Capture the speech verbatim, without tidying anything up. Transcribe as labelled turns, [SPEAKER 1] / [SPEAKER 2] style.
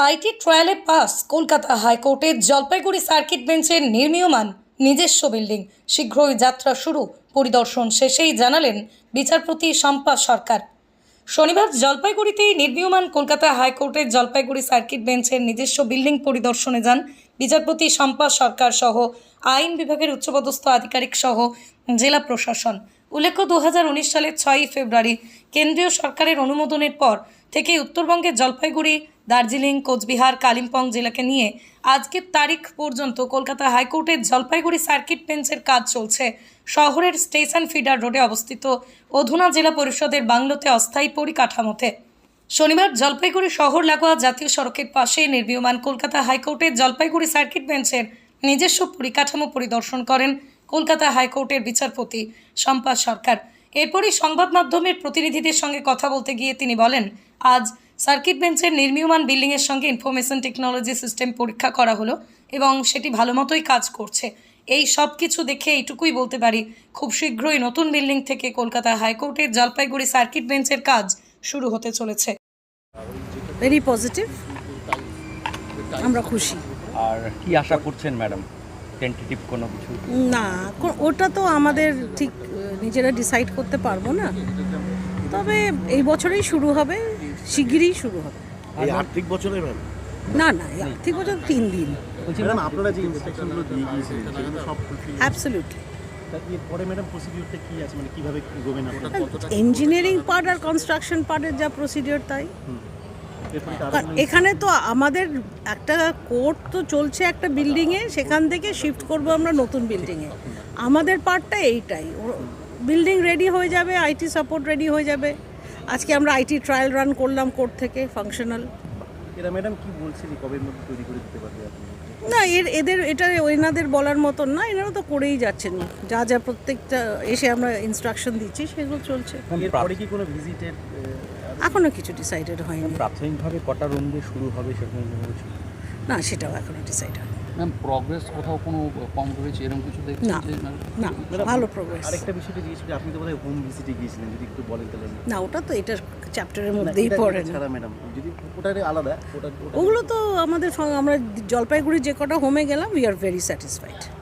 [SPEAKER 1] IT ট্রায়ালে pass Kolkata হাইকোর্টের Jalpaiguri circuit বেঞ্চের নির্মীয়মান নিজস্ব বিল্ডিং। শীঘ্রই যাত্রা শুরু। পরিদর্শন শেষেই জানালেন বিচারপতি শম্পা সরকার। শনিবার জলপাইগুড়িতেই নির্মীয়মান কলকাতা হাইকোর্টের জলপাইগুড়ি সার্কিট বেঞ্চের নিজস্ব বিল্ডিং পরিদর্শনে যান বিচারপতি শম্পা সরকার সহ আইন বিভাগের উচ্চপদস্থ আধিকারিক সহ জেলা প্রশাসন। উল্লেখ্য, দু হাজার উনিশ সালের ছয়ই ফেব্রুয়ারি কেন্দ্রীয় সরকারের অনুমোদনের পর থেকে উত্তরবঙ্গের জলপাইগুড়ি, দার্জিলিং, কোচবিহার, কালিম্পং জেলাকে নিয়ে আজকের তারিখ পর্যন্ত কলকাতা হাইকোর্টের জলপাইগুড়ি সার্কিট বেঞ্চের কাজ চলছে। শহরের স্টেশন ফিডার রোডে অবস্থিত অধুনা জেলা পরিষদের বাংলোতে অস্থায়ী পরিকাঠামোতে শনিবার জলপাইগুড়ি শহর লাগোয়া জাতীয় সড়কের পাশে নির্মীয়মান কলকাতা হাইকোর্টের জলপাইগুড়ি সার্কিট বেঞ্চের নিজস্ব পরিকাঠামো পরিদর্শন করেন কলকাতা হাইকোর্টের বিচারপতি শম্পা সরকার। এরপরই সংবাদ মাধ্যমের প্রতিনিধিদের সঙ্গে কথা বলতে গিয়ে তিনি বলেন, আজ সার্কিট বেঞ্চের নির্মীয়মান বিল্ডিংয়ের সঙ্গে ইনফরমেশন টেকনোলজি সিস্টেম পরীক্ষা করা হলো এবং সেটি ভালো মতোই কাজ করছে। এই সব কিছু দেখে এইটুকুই বলতে পারি, খুব শীঘ্রই নতুন বিল্ডিং থেকে কলকাতা হাইকোর্টের জলপাইগুড়ি সার্কিট বেঞ্চের কাজ শুরু হতে চলেছে।
[SPEAKER 2] ভেরি পজিটিভ, আমরা খুশি।
[SPEAKER 3] আর কি আশা করছেন ম্যাডাম, টেন্টেটিভ কোনো কিছু?
[SPEAKER 2] না, কো- ওটা তো আমাদের ঠিক আহ, নিজেরা ডিসাইড করতে পারবো না, তবে এই বছরেই শুরু হবে, শিগগিরই শুরু হবে।
[SPEAKER 4] এই আর্থিক বছরে ম্যাম
[SPEAKER 2] না না এই আর্থিক বছর তিন দিন।
[SPEAKER 4] ম্যাডাম আপনারা যে ইনস্ট্রাকশনগুলো দিয়ে গিয়েছিলেন সেগুলো সব
[SPEAKER 2] অ্যাবসলিউটলি।
[SPEAKER 4] পরে ম্যাডাম প্রসিডিউরটা কি আছে, মানে কিভাবে এগোবেন আপনারা?
[SPEAKER 2] ইঞ্জিনিয়ারিং পার্ট আর কনস্ট্রাকশন পার্টের যা প্রসিডিওর তাই।
[SPEAKER 4] এরপরে তো আরো
[SPEAKER 2] কারণ এখানে তো আমাদের একটা কোর্ট তো চলছে একটা বিল্ডিংয়ে, সেখান থেকে শিফট করব আমরা নতুন বিল্ডিংয়ে। আমাদের পার্টটা এইটাই, বিল্ডিং রেডি হয়ে যাবে, আইটি সাপোর্ট রেডি হয়ে যাবে। আজকে আমরা আইটি ট্রায়াল রান করলাম কোর্ট থেকে, ফাংশনাল।
[SPEAKER 4] এরা ম্যাডাম কি বলছিলেন কবের মধ্যে তৈরি করে দিতে পারবে আপনি?
[SPEAKER 2] না, এর এদের এটা এনাদের বলার মতন না, এনারা তো করেই যাচ্ছেন, যা যা প্রত্যেকটা এসে আমরা ইনস্ট্রাকশন দিচ্ছি সেগুলো চলছে।
[SPEAKER 4] এরপরে কি কোনো ভিজিটের
[SPEAKER 2] এখনও কিছু ডিসাইডেড হয়নি।
[SPEAKER 3] প্রাথমিকভাবে কটা রুম দিয়ে শুরু হবে সেরকম কোনো কিছু?
[SPEAKER 2] না, সেটাও এখনও ডিসাইড হয়নি।
[SPEAKER 5] ম্যাম, প্রগ্রেস কোথাও কোনো কম রয়েছে এরকম কিছু দেখছেন?
[SPEAKER 2] না
[SPEAKER 5] যে
[SPEAKER 2] না, ভালো প্রোগ্রেস।
[SPEAKER 4] আরেকটা বিষয়টা জিজ্ঞেস করি, আপনি তো বোধহয় হোম ভিজিটে গিয়েছিলেন, যদি একটু বলেন তাহলে।
[SPEAKER 2] না, ওটা তো এটার চ্যাপ্টারের মধ্যেই পড়ে না।
[SPEAKER 4] ছাড়া ম্যাডাম যদি ওটারে আলাদা ওটা ওটা-
[SPEAKER 2] ওগুলো তো আমাদের সঙ্গে আমরা জলপাইগুড়ি যে কটা হোমে গেলাম, উই আর ভেরি স্যাটিসফাইড।